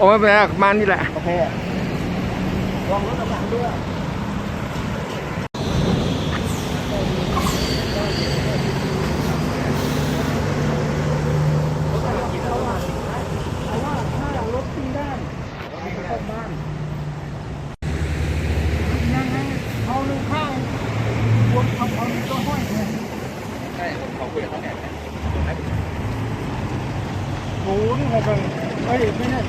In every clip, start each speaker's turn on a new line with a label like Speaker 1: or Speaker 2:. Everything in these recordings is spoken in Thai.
Speaker 1: อ้ไม่เป็นไรมานี่แหละ
Speaker 2: โอเคลองรถกระบะด้วย06เฮ้ยไม่ใช่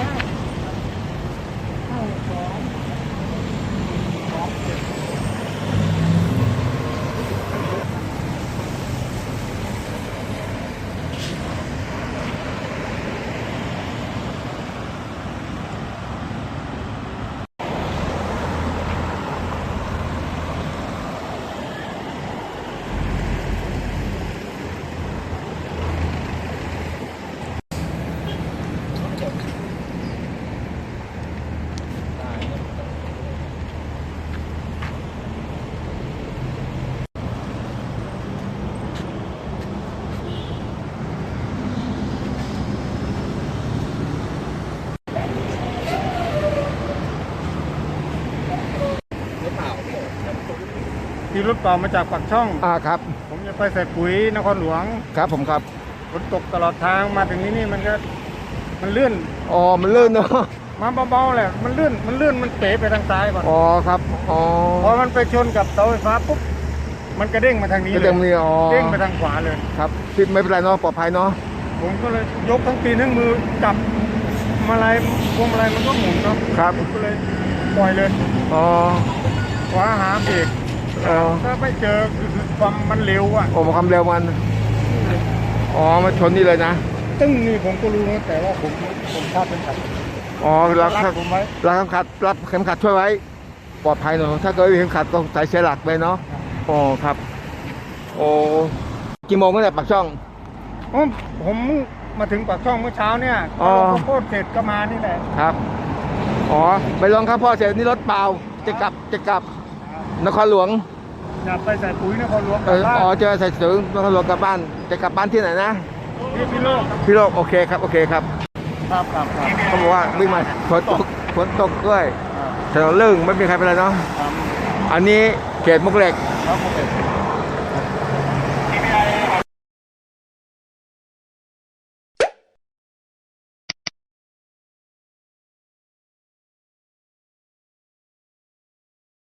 Speaker 2: ที่รถเปล่ามาจากปากช่อง
Speaker 1: ครับ
Speaker 2: ผมจะไปใส่ปุ๋ยนครหลวง
Speaker 1: ครับผมครับ
Speaker 2: ฝนตกตลอดทางมาถึงนี่มันเลื่อน
Speaker 1: อ๋อมันลื่นเนาะ
Speaker 2: มาเบาๆแหละมันเลื่อนมันเป๋ไปทางซ้ายก่อน
Speaker 1: อ๋อครับอ๋อ
Speaker 2: พอมันไปชนกับเสาไฟฟ้าปุ๊บมันกระเด้งมาทางนี้เลยเด้งไปทางขวาเลย
Speaker 1: ครับพี่ไม่เป็นไรเนาะปลอดภัยเนาะ
Speaker 2: ผมก็เลยยกทั้งตีนทั้งมือจับมาลัยพวงมาลัยมันก็หมุนเนาะ
Speaker 1: ครับ
Speaker 2: ก็เลยปล่อยเลย
Speaker 1: อ๋อ
Speaker 2: ขวาหาเบรกถ้าไม่เจอความมันเร็วอ่ะ
Speaker 1: โอ้ความเร็วมันอ๋อมาชนนี่เลยนะ
Speaker 2: ซึ่งนี่ผมก็รู้นะแต่ว่าผมคาดเป็นขัด
Speaker 1: อ๋อรับผมไว้รับเข็มขัดช่วยไว้ปลอดภัยเนาะถ้าเกิดเข็มขัดต้องใส่เสียหลักไปเนาะอ๋อครับโอ้กี่โมงตั้งแต่ปากช่อง
Speaker 2: ผมมาถึงปากช่องเมื่อเช้าเนี่ยลงข้าวโพดเสร็จก็มานี่แหละ
Speaker 1: ครับอ๋อไปลงข้าวโพดเสร็จนี่รถเปล่าจะกลับนครหลวง
Speaker 2: อยากไปใส่ปุ๋ยนครหลวงกลับบ้าน
Speaker 1: อ๋อจะใส่ปุ๋ยนครหลวงกลับบ้านจะกลับบ้านที่ไหนนะ
Speaker 2: พี่โลก
Speaker 1: โอเคครับโอเคครับเขาบอกว่าวิ่งมาฝนตกด้วยถนนลื่นไม่มีใครเป็นไรเนาะอันนี้เขตมุกเหล็ก